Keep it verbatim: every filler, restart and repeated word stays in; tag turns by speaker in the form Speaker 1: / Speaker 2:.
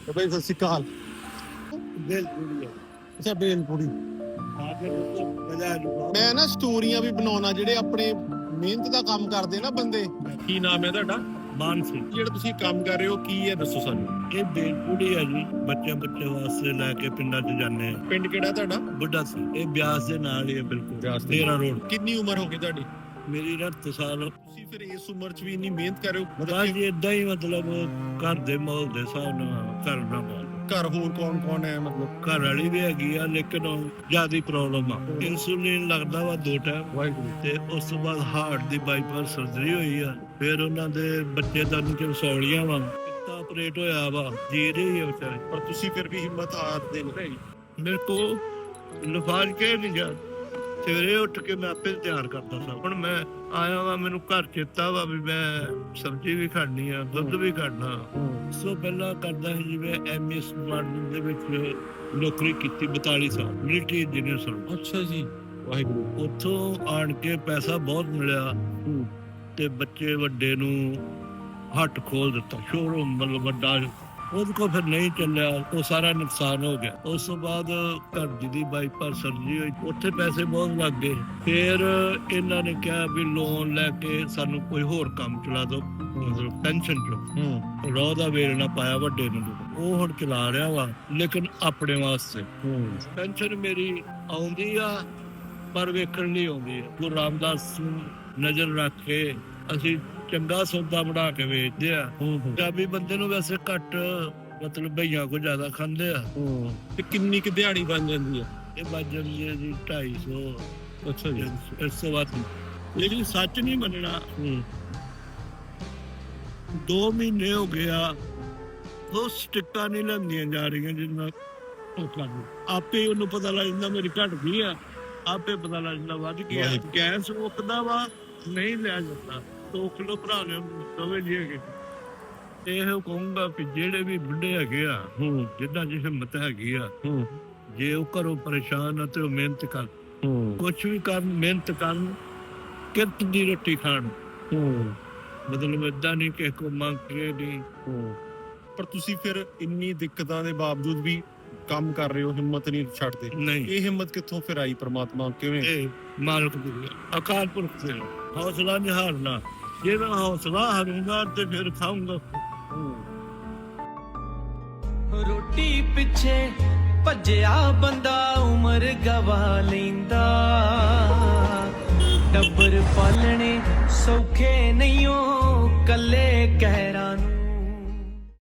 Speaker 1: ਬਈ ਸਤਿ ਸ਼੍ਰੀ ਅਕਾਲ।
Speaker 2: ਬੇਲਪੁਰੀ
Speaker 1: ਅੱਛਾ ਬੇਲਪੁਰੀ। ਮੈਂ ਨਾ ਸਟੋਰੀਆਂ ਵੀ ਬਣਾਉਣਾ ਜਿਹੜੇ ਆਪਣੇ ਮਿਹਨਤ ਦਾ ਕੰਮ ਕਰਦੇ ਨਾ ਬੰਦੇ। ਕੀ ਨਾਮ ਹੈ ਤੁਹਾਡਾ?
Speaker 2: ਮਾਨ ਸਿੰਘ।
Speaker 1: ਜਿਹੜਾ ਤੁਸੀਂ ਕੰਮ ਕਰ ਰਹੇ ਹੋ ਕੀ ਹੈ ਦੱਸੋ ਸਾਨੂੰ।
Speaker 2: ਇਹ ਬੇਲਪੁਰੀ ਹੈ ਜੀ, ਬੱਚੇ ਬੱਚੇ ਵਾਸਤੇ ਲੈ ਕੇ ਪਿੰਡਾਂ 'ਚ ਜਾਂਦੇ ਆ।
Speaker 1: ਪਿੰਡ ਕਿਹੜਾ ਤੁਹਾਡਾ?
Speaker 2: ਬੁੱਢਾ ਸੀ। ਇਹ ਬਿਆਸ ਦੇ ਨਾਲ ਹੀ ਹੈ ਬਿਲਕੁਲ,
Speaker 1: ਬਿਆਸ ਦੇ
Speaker 2: ਤੇਰਾਂ ਰੋਡ।
Speaker 1: ਕਿੰਨੀ ਉਮਰ ਹੋ ਗਈ ਤੁਹਾਡੀ?
Speaker 2: ਮੇਰੀ ਰੱਤ ਸਾਲ।
Speaker 1: ਤੁਸੀਂ ਫਿਰ ਇਸ ਉਮਰ 'ਚ ਵੀ ਇੰਨੀ ਮਿਹਨਤ ਕਰ ਰਹੇ ਹੋ?
Speaker 2: ਬਸ ਜੀ ਏਦਾਂ ਹੀ, ਮਤਲਬ ਘਰ ਦੇ ਮਾਹੌਲ ਦੇ ਹਿਸਾਬ ਨਾਲ ਕਰਨਾ ਪੈਂਦਾ।
Speaker 1: ਘਰ ਹੋਰ ਕੌਣ ਕੌਣ ਹੈ? ਮਤਲਬ
Speaker 2: ਘਰ ਵਾਲੀ ਵੀ ਹੈਗੀ ਆ, ਲੇਕਿਨ ਜਿਆਦਾ ਪ੍ਰੋਬਲਮ ਆ। ਇਨਸੂਲਿਨ ਲੱਗਦਾ ਵਾ ਦੋ ਟਾਈਮ,
Speaker 1: ਵਾਹਿਗੁਰੂ।
Speaker 2: ਤੇ ਉਸ ਤੋਂ ਬਾਅਦ ਹਾਰਟ ਦੀ ਬਾਈਪਾਸ ਸਰਜਰੀ ਹੋਈ ਆ। ਫਿਰ ਉਹਨਾਂ ਦੇ ਬੱਚੇ ਦਾ ਨੀਚੇ ਸੌਲੀਆਂ ਵਾ, ਪਿੱਤਾ ਆਪਰੇਟ ਹੋਇਆ ਵਾ, ਜੀ ਰਹੀ ਆ ਵਿਚਾਰੇ।
Speaker 1: ਪਰ ਤੁਸੀਂ ਫਿਰ ਵੀ ਹਿੰਮਤ ਹਾਰਦੇ ਨਹੀਂ।
Speaker 2: ਮੇਰੇ ਕੋ ਲਫਾਜ਼ ਕੇ ਨਹੀਂ ਜਾ। ਸਵੇਰੇ ਉੱਠ ਕੇ ਮੈਂ ਆਪੇ ਤਿਆਰ ਕਰਦਾ ਸਾਂ। ਹੁਣ ਮੈਂ ਆਇਆ ਵਾ, ਮੈਨੂੰ ਘਰ ਚੇਤਾ ਵਾ ਵੀ ਮੈਂ ਸਬਜ਼ੀ ਵੀ ਖਾਣੀ ਆ, ਦੁੱਧ ਵੀ ਖਾਣਾ। ਉਸ ਤੋਂ ਪਹਿਲਾਂ ਕਰਦਾ ਸੀ ਜਿਵੇਂ ਐਮ ਐਸ ਮਾਡਲ ਦੇ ਵਿੱਚ ਨੌਕਰੀ ਕੀਤੀ ਬਤਾਲੀ ਸਾਲ, ਮਿਲਟਰੀ ਇੰਜੀਨੀਅਰ ਸਾਂ।
Speaker 1: ਅੱਛਾ ਜੀ, ਵਾਹਿਗੁਰੂ।
Speaker 2: ਉੱਥੋਂ ਆਣ ਕੇ ਪੈਸਾ ਬਹੁਤ ਮਿਲਿਆ ਤੇ ਬੱਚੇ ਵੱਡੇ ਨੂੰ ਹੱਟ ਖੋਲ ਦਿੱਤਾ, ਸ਼ੋਰੂਮ ਮਤਲਬ ਵੱਡਾ। ਉਹਦੇ ਕੋਲ ਫਿਰ ਨਹੀਂ ਚੱਲਿਆ, ਉਹ ਸਾਰਾ ਨੁਕਸਾਨ ਹੋ ਗਿਆ। ਉਸ ਤੋਂ ਬਾਅਦ ਘਰ ਜੀ ਦੀ ਬਾਈਪਾਸ ਸਰਜਰੀ ਹੋਈ, ਉੱਥੇ ਪੈਸੇ ਬਹੁਤ ਲੱਗ ਗਏ। ਫਿਰ ਇਹਨਾਂ ਨੇ ਕਿਹਾ ਵੀ ਲੋਨ ਲੈ ਕੇ ਸਾਨੂੰ ਕੋਈ ਹੋਰ ਕੰਮ ਚਲਾ ਦਿਓ, ਮਤਲਬ ਪੈਨਸ਼ਨ ਚੋ ਰੋਹ ਦਾ ਵੇਲ ਨਾ ਪਾਇਆ ਵੱਡੇ ਨੂੰ। ਉਹ ਹੁਣ ਚਲਾ ਰਿਹਾ ਵਾ, ਲੇਕਿਨ ਆਪਣੇ ਵਾਸਤੇ। ਪੈਨਸ਼ਨ ਮੇਰੀ ਆਉਂਦੀ ਆ ਪਰ ਵੇਖਣ ਲਈ ਆਉਂਦੀ ਆ। ਗੁਰੂ ਰਾਮਦਾਸ ਨੂੰ ਨਜ਼ਰ ਰੱਖ ਕੇ ਅਸੀਂ ਚੰਗਾ ਸੌਦਾ ਬਣਾ ਕੇ ਵੇਚਦੇ ਆ। ਪੰਜਾਬੀ ਬੰਦੇ ਨੂੰ ਵੈਸੇ ਘੱਟ, ਮਤਲਬ ਭਈਆਂ ਕੋ ਜ਼ਿਆਦਾ ਖਾਂਦੇ ਆ।
Speaker 1: ਤੇ ਕਿੰਨੀ ਕੁ ਦਿਹਾੜੀ ਬਣ ਜਾਂਦੀ ਆ?
Speaker 2: ਇਹ ਬਣ ਜਾਂਦੀ ਹੈ ਜੀ ਢਾਈ ਸੌ।
Speaker 1: ਅੱਛਾ ਜੀ।
Speaker 2: ਇਸ ਤੋਂ ਬਾਅਦ ਲੇਕਿਨ ਸੱਚ ਨਹੀਂ ਮੰਨਣਾ, ਦੋ ਮਹੀਨੇ ਹੋ ਗਿਆ ਉਹ ਸਟਿੱਕਾਂ ਨਹੀਂ ਲੈਂਦੀਆਂ ਜਾ ਰਹੀਆਂ ਜਿੰਨਾ ਆਪੇ ਉਹਨੂੰ ਪਤਾ ਲੱਗ ਜਾਂਦਾ ਮੇਰੀ ਘਟ ਗਈ ਆ, ਆਪੇ ਪਤਾ ਲੱਗ ਜਾਂਦਾ ਵੱਧ ਗਿਆ। ਗੈਸ ਮੁੱਕਦਾ ਵਾ, ਨਹੀਂ ਲਿਆ ਜਾਂਦਾ। ਦੋ ਕਿਲੋ ਭਰਾ ਨੇ ਦੋਵੇਂ ਜੀ ਹੈਗੇ। ਇਹ ਕਹੂੰਗਾ ਵੀ ਜਿਹੜੇ ਵੀ ਬੁੱਢੇ ਹੈਗੇ ਆ, ਜਿੱਦਾਂ ਦੀ ਹਿੰਮਤ ਹੈਗੀ ਆ, ਜੇ ਉਹ ਘਰੋਂ ਪਰੇਸ਼ਾਨ ਆ ਤੇ ਉਹ ਮਿਹਨਤ ਕਰ, ਕੁਛ ਵੀ ਕਰਨ, ਮਿਹਨਤ ਕਰਨ, ਕਿਰਤ ਦੀ ਰੋਟੀ ਖਾਣ। ਮਤਲਬ ਏਦਾਂ ਨਹੀਂ ਕਿਸੇ ਕੋ ਮੰਗ ਕੇ ਨਹੀਂ।
Speaker 1: ਪਰ ਤੁਸੀਂ ਫਿਰ ਇੰਨੀ ਦਿੱਕਤਾਂ ਦੇ ਬਾਵਜੂਦ ਵੀ ਕੰਮ ਕਰ ਰਹੇ ਹੋ, ਹਿੰਮਤ ਨਹੀਂ ਛੱਡਦੇ।
Speaker 2: ਨਹੀਂ,
Speaker 1: ਇਹ ਹਿੰਮਤ ਕਿੱਥੋਂ ਫਿਰ ਆਈ? ਪ੍ਰਮਾਤਮਾ ਕਿਵੇਂ?
Speaker 2: ਇਹ ਮਾਲਕ ਦੀ ਅਕਾਲ ਪੁਰਖ ਦੇ ਹੌਸਲਾ ਨਹੀਂ ਹਾਰਨਾ। ਜੇ ਮੈਂ ਹੌਸਲਾ ਹਾਰੂੰਗਾ ਤੇ ਫਿਰ ਖਾਊਂਗਾ।
Speaker 3: ਰੋਟੀ ਪਿੱਛੇ ਭੱਜਿਆ ਬੰਦਾ ਉਮਰ ਗਵਾ ਲੈਂਦਾ। ਟੱਬਰ ਪਾਲਣੇ ਸੌਖੇ ਨਹੀਂ ਓ ਕੱਲੇ ਕਹਿਰਾਂ